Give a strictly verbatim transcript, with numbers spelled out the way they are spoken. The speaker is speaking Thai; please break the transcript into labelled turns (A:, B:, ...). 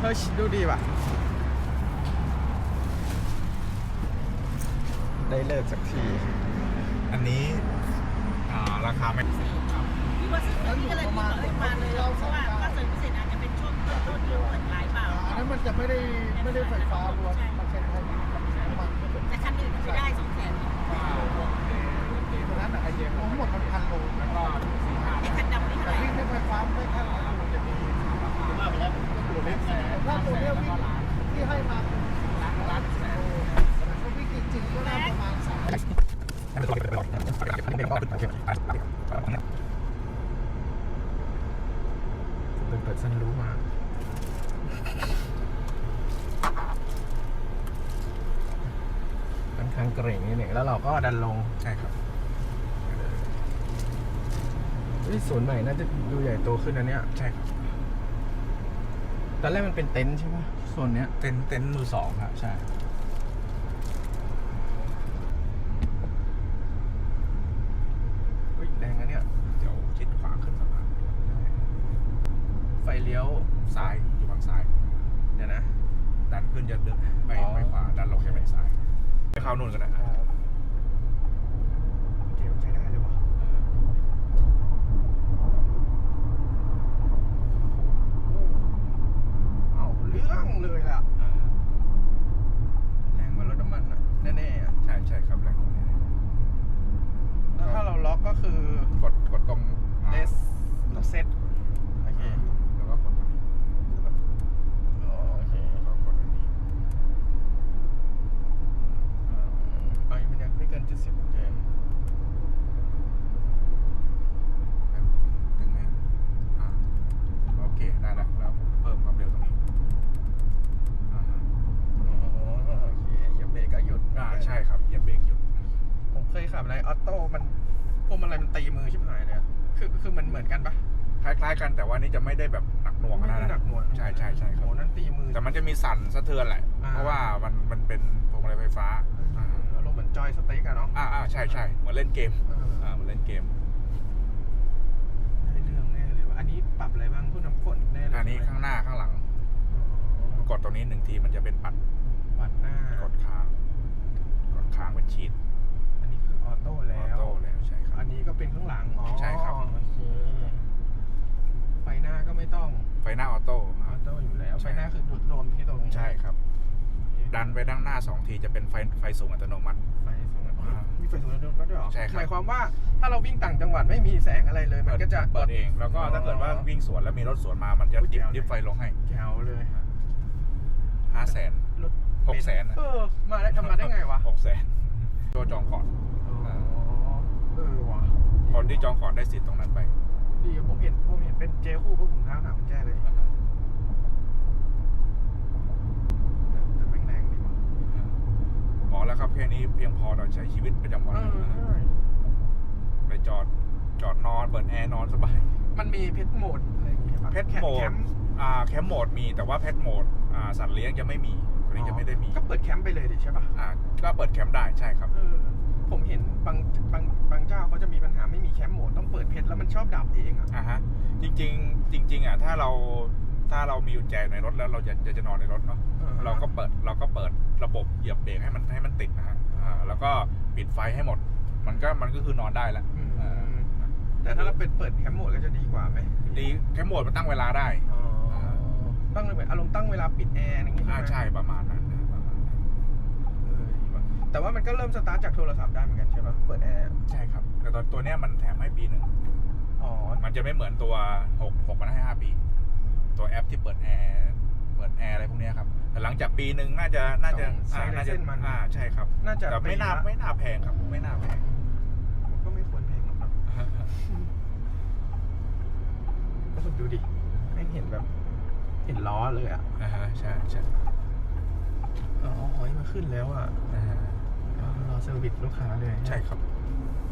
A: ฮ้ยดูดีว่ะได้เลิกสักที
B: อันนี้อ่าราคาไม่
C: พี่ว่าซื้อพี่ก็เลยพี่บอกให้มาเลยเพราะว่าถ้าเสริมพิเศษอาจจะเป็นช่วงต้นๆที่เปิดขายเปล่า
D: อันนั้นมันจะไม่ได้ไม่ได้ไฟฟ้ารวมมันเป็นไฮบริดกับน้ำมัน
C: แต่คันอื่นไม่ได้สองแสน
D: เพราะนั้นไอเดียทั้งหมดมันพันโลแล้วก็
C: ไอ้คันดำนี่เท่าไหร่
D: วิ่งด้วยไฟฟ้าไม่แค่ร้อยโลจะมีว่าไปแล้วตัวเล็กแสนถ้าตัวเนี้ยวิ่งที่ให้มาล้านล้านแสนก็วิ่งจริงๆก็ได้ประมาณสาม
A: เป็นเปิดซันรู้มาค่อนข้างเกรงนิดหนึ่งแล้วเราก็ดันลง
B: ใช่ครับ
A: ศูนย์ใหม่น่าจะดูใหญ่โตขึ้นนะเนี่ย
B: ใช่ครับ
A: ตอนแรกมันเป็นเต็นท์ใช่ไหมโซนเนี้ย
B: เต็นท์เต็นท์มือสองครับใช่
A: อุ้ยแรงนะเนี่ย
B: เดี๋ยวชิดขวาขึ้นสะพาน
A: ไฟเลี้ยว
B: ซ้ายอยู่ฝั่งซ้าย
A: เดี๋ยวนะ
B: ดันขึ้นจะเดินไปไปขวาดันลงจะไปซ้ายไปเข้านู่นกันนะ
A: เกมใช้ได้เลยวะเอาเรื่องเลยล่ะแรงกว่ารถน้ำมันอ่ะแน่ๆอ่ะ
B: ใช่ใช่ครับแรงกว่านี้
A: แล้วถ้าเราล็อกก็คือก
B: ดกดตรง
A: เลสเราเซตโอเค
B: แล้วก็กดตรงนี้
A: โอเค
B: แล้วก็กดอันนี้
A: ไอ้มันยังไม่เกินเจ็ดสิบโอเค
B: ถึงไหมอ่าโอเคได้แล้วแล้วเพิ่มความเร็วตรงนี้อ่า
A: อ๋อโอเคเหยียบเบรกก็หยุด
B: อ่าใช่ครับเหยียบเบรกหยุด
A: ผมเคยขับอะไรออโต้มันพวกมันอะไรมันตีมือชิบหายเลยคือคือมันเหมือนกันปะ
B: คล้ายๆกันแต่ว่านี่จะไม่ได้แบบหนักหน่วง
A: ไม่ได้หนักหน่วง
B: ใช่ใช่ใช่ครับ
A: โหนั่นตีมือ
B: แต่มันจะมีสั่นสะเทือนแหละเพราะว่ามันมันเป็นพวงมาลัยไฟฟ้า
A: อารมณ์เหมือนจอยสเต็กอะเนาะ
B: อ่าอ่าใช่ใช่เหมือนเล่นเกมอ่าเหมือนเล่นเกม
A: ได้เรื่องแน่เลยว่ะอันนี้ปรับอะไรบ้างผู้นำฝนได้เลย
B: อันนี้ข้างหน้าข้างหลังกดตรงนี้หนึ่งทีมันจะเป็นปัด
A: ปัดหน้าก
B: ดค้างกดค้างเป็นชีท
A: อันนี้คือออโต้แล้
B: ออ
A: ว
B: โต้แล้วใช่ครับ
A: อันนี้ก็เป็นข้างหลังอ๋อ
B: ใช่ครับ
A: โอเคไฟหน้าก็ไม่ต้อง
B: ไฟหน้าออโต้
A: ออโต้อยู่แล้วไฟหน้าคือดูดลมที่ตรงนี้
B: ใช่ครับดันไปด้านหน้าสองทีจะเป็นไฟไฟสูงอัตโนมัติ
A: ไฟสูงมีไฟสูงอัตโนมัติด้วยหรอ
B: ใช่ครับ
A: หมายความว่าถ้าเราวิ่งต่างจังหวัดไม่มีแสงอะไรเลยมันก็จะ
B: เปิดเองแล้วก็ถ้าเกิดว่าวิ่งสวนแล้วมีรถสวนมามันจะดิบดิบไฟลงให้
A: แจ๋วเลยฮะ
B: ห้าแสนหกแสน
A: เออมาได้ทำมาได้ไงวะ
B: หกแสนโจจองก่อน
A: เออว่ะ
B: คนที่จองก่อนได้สิทธิ์ตรงนั้นไป
A: ดีผมเห็นผมเห็นเป็นเจคู่พวกผมท้าหาคุณแจ้เลยแต่แม่งแรงดีว่ะ
B: บอกแล้วครับแค่นี้เพียงพอต่อใช้ชีวิตประจำวันไปจอดจอดนอนเปิดแอร์นอนสบาย
A: มันมีเพชรโหมดอะไรอย่างเงี้ย
B: เพชรโหมดอ่าแคมป์โหมดมีแต่ว่าเพชรโหมดอ่าสัตว์เลี้ยงจะไม่มีตัวนี้จะไม่ได้มี
A: ก็เปิดแคมป์ไปเลยดิใช่ป่ะ
B: อ่าก็เปิดแคมป์ได้ใช่ครับ
A: เออผมเห็นบางบางบางเจ้าเขาจะมีปัญหาไม่มีแคมป์โหมดต้องเปิดเพชรแล้วมันชอบดับเองอ่ะ
B: อ่าฮะจริงๆจริงๆอ่ะถ้าเราถ้าเรามีกุญแจในรถแล้วเราจะจะจะนอนในรถเนาะเราก็เปิดเราก็เปิดระบบเหยียบเบรกให้มันให้มันติดนะฮะอ่าแล้วก็ปิดไฟให้หมดมันก็มันก็คือนอนได้แล้ว
A: แต่ถ้าเราเป็นเปิดแคมป์โหมดก็จะดีกว่าไหม
B: ดีแคมป์โหมดมันตั้งเวลาได้
A: ตั้งเลยแบบอารมณ์ตั้งเวลาปิดแอร์อย่างงี้
B: ใช่ใช่ประมาณนั้นประมาณนั้น
A: แต่ว่ามันก็เริ่มสตาร์ทจากโทรศัพท์ได้เหมือนกันใช่ป่ะเปิดแอร์
B: ใช่ครับแต่ตัวตัวเนี้ยมันแถมให้ปีหนึ่ง
A: อ๋อ
B: มันจะไม่เหมือนตัวหกหกมันให้ห้าปีตัวแอปที่เปิดแอร์เปิดแอร์อะไรพวกนี้ครับแต่หลังจากปีหนึ่งน่าจะน่าจะ
A: น่าจะมัน
B: อ่าใช่ครับ
A: น่าจะ
B: แต่ไม่น่าไม่น่าแพงครับไม่น่าแพง
A: ก็ไม่ควรแพงหรอกนะก็ดูดิไม่เห็นแบบเห็นล้อเลยอ่ะ
B: อ่าฮะใช่ใช่
A: อ๋อหอยมาขึ้นแล้วอ่ะรอเซอร์วิสลูกค้าเลย
B: ใช่ครับ